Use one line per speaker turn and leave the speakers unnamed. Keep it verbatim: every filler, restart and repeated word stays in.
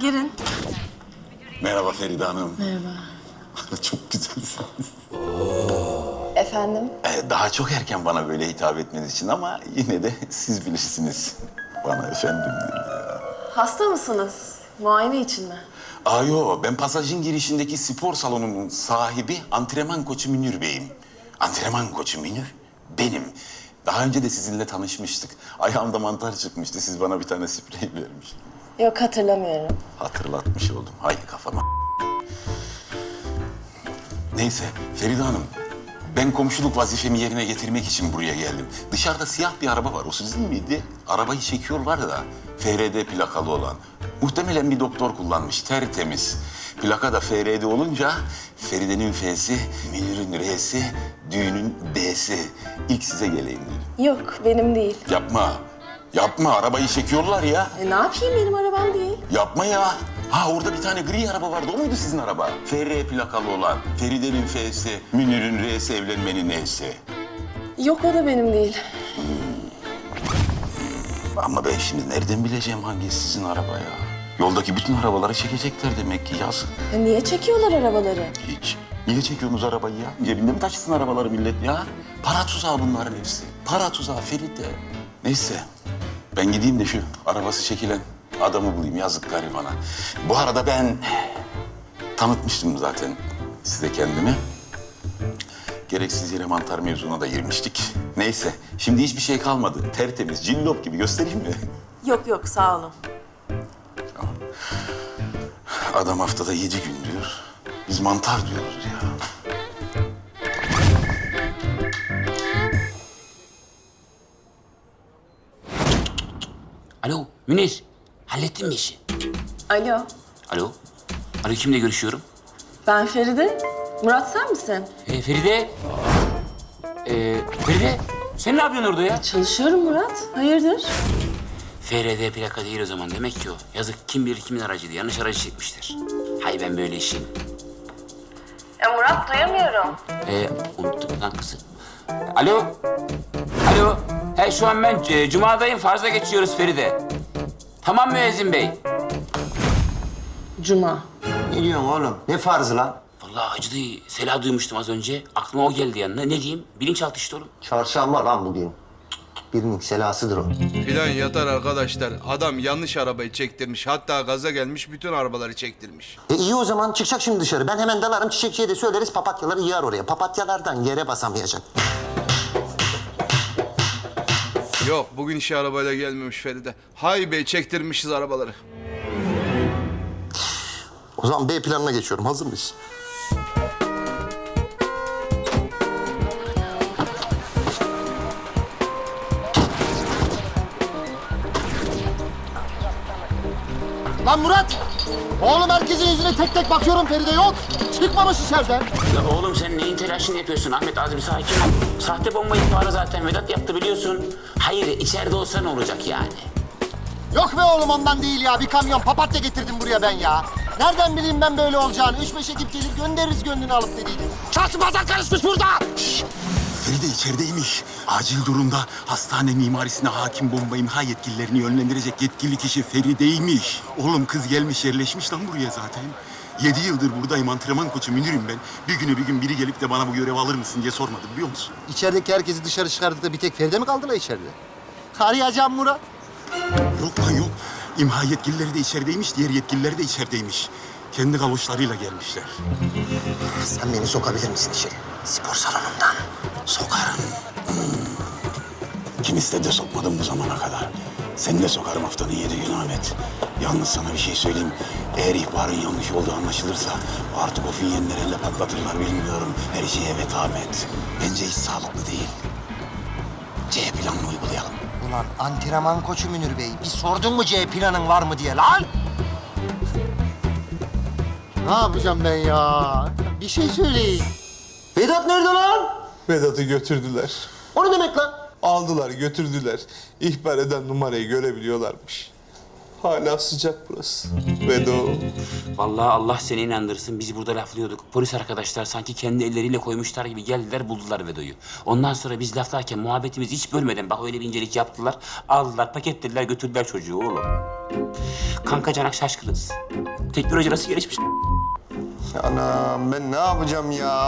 girin.
Merhaba Feride Hanım.
Merhaba.
Çok güzelsiniz.
Efendim?
Ee, daha çok erken bana böyle hitap etmeniz için ama yine de siz bilirsiniz. Bana efendim deyin ya.
Hasta mısınız? Muayene için mi?
Aa yo, ben pasajın girişindeki spor salonunun sahibi antrenman koçu Münir Bey'im. Antrenman koçu Münir benim. Daha önce de sizinle tanışmıştık. Ayağımda mantar çıkmıştı. Siz bana bir tane sprey vermiştiniz.
Yok, hatırlamıyorum.
Hatırlatmış oldum. Hay kafama. Neyse Feride Hanım. Ben komşuluk vazifemi yerine getirmek için buraya geldim. Dışarıda siyah bir araba var. O sizin miydi? Arabayı çekiyorlar da F R D plakalı olan. Muhtemelen bir doktor kullanmış. Tertemiz. Plaka da F R D olunca Feride'nin F'si, Münir'in R'si, düğünün B'si. İlk size geleyim dedim.
Yok, benim değil.
Yapma. Yapma. Arabayı çekiyorlar ya.
E, ne yapayım, benim arabam değil.
Yapma ya. Ha orada bir tane gri araba vardı. O muydu sizin araba? F R plakalı olan. Feride'nin F'si, Münir'in R'si, evlenmenin N'si.
Yok, o da benim değil.
Ama ben şimdi nereden bileceğim hangisi sizin araba ya? Yoldaki bütün arabaları çekecekler demek ki yazık.
Ya niye çekiyorlar arabaları?
Hiç. Niye çekiyorsunuz arabayı ya? Cebinde mi taşısın arabaları millet ya? Para tuzağı bunların hepsi. Para tuzağı Feride. Neyse. Ben gideyim de şu arabası çekilen adamı bulayım. Yazık garibana. Bu arada ben tanıtmıştım zaten size kendimi. Gereksiz yere mantar mevzuna da girmiştik. Neyse. Şimdi hiçbir şey kalmadı. Tertemiz, cillop gibi. Göstereyim mi?
Yok yok, sağ olun.
Adam haftada yedi gün diyor. Biz mantar diyoruz ya.
Alo Münir, hallettin mi işi?
Alo,
Alo, alo kimle görüşüyorum?
ben Feride. Murat, sen misin?
Ee, Feride. Ee, Feride, sen ne yapıyorsun orada ya?
Çalışıyorum Murat. Hayırdır?
F R D plaka değil o zaman demek ki o. Yazık kim bilir kimin aracıydı, yanlış aracı çekmiştir. Hay ben böyle işin.
Ya Murat, duyamıyorum.
Ee, unuttum lan kızım. Alo, alo. He şu an ben e, Cuma'dayım, farza geçiyoruz Feride. Tamam müezzin bey.
Cuma.
Ne diyorsun oğlum? Ne farzı lan?
Vallahi acıdı. Sela duymuştum az önce. Aklıma o geldi yanına. Ne diyeyim? Bilinçaltı işte oğlum.
Çarşamba lan bugün. Birinin selasıdır o.
Plan yatar arkadaşlar. Adam yanlış arabayı çektirmiş. Hatta gaza gelmiş bütün arabaları çektirmiş.
E iyi o zaman çıkacak şimdi dışarı. Ben hemen dalarım çiçekçiye de söyleriz papatyaları yığar oraya. Papatyalardan yere basamayacak.
Yok bugün işe arabayla gelmemiş Feride. Hay bey çektirmişiz arabaları.
O zaman B planına geçiyorum. Hazır mıyız? Lan Murat! Oğlum herkesin yüzüne tek tek bakıyorum Feride yok. Çıkmamış içeriden.
Ya oğlum sen neyin telaşını yapıyorsun Ahmet? Az bir sakin ol. Sahte bomba ihbarı zaten Vedat yaptı biliyorsun. Hayır içeride olsa ne olacak yani?
Yok be oğlum ondan değil ya. Bir kamyon papatya getirdim buraya ben ya. Nereden bileyim ben böyle olacağını? Üç beş ekip gelir göndeririz gönlünü alıp dediydim. Çarşıbadan karışmış burada. Şşş!
Feride içerideymiş. Acil durumda hastane mimarisine hakim bomba imha yetkililerini yönlendirecek yetkili kişi Feride'ymiş. Oğlum kız gelmiş yerleşmiş lan buraya zaten. Yedi yıldır buradayım, antrenman koçu Münir'im ben. Bir güne bir gün biri gelip de bana bu görevi alır mısın diye sormadı biliyor musun?
İçerideki herkesi dışarı çıkardık da bir tek Feride mi kaldı la içeride? Arayacağım Murat.
Yok lan yok. İmha yetkilileri de içerideymiş, diğer yetkililer de içerideymiş. Kendi galoşlarıyla gelmişler.
Sen beni sokabilir misin içeri? Spor salonundan.
Sokarım. Hmm. Kim istedi de sokmadım bu zamana kadar. Seni de sokarım haftanın yedi günü Ahmet. Yalnız sana bir şey söyleyeyim. Eğer ihbarın yanlış olduğu anlaşılırsa artık o finyenleri elle patlatırlar bilmiyorum. Her şeye evet Ahmet. Bence hiç sağlıklı değil. C planını uygulayalım.
Ulan antrenman koçu Münir Bey. Bir sordun mu C planın var mı diye lan? Ne yapacağım ben ya? Bir şey söyleyin. Vedat nerede lan?
Vedat'ı götürdüler.
O ne demek lan?
Aldılar, götürdüler. İhbar eden numarayı görebiliyorlarmış. Hala sıcak burası. Vedo.
Vallahi Allah seni inandırsın. Biz burada laflıyorduk. Polis arkadaşlar sanki kendi elleriyle koymuşlar gibi geldiler buldular Vedo'yu. Ondan sonra biz laflarken muhabbetimizi hiç bölmeden bak öyle bir incelik yaptılar. Aldılar paketlediler götürdüler çocuğu oğlum. Kanka Canak şaşkınız. Teknoloji nasıl gelişmiş?
Anam ben ne yapacağım ya?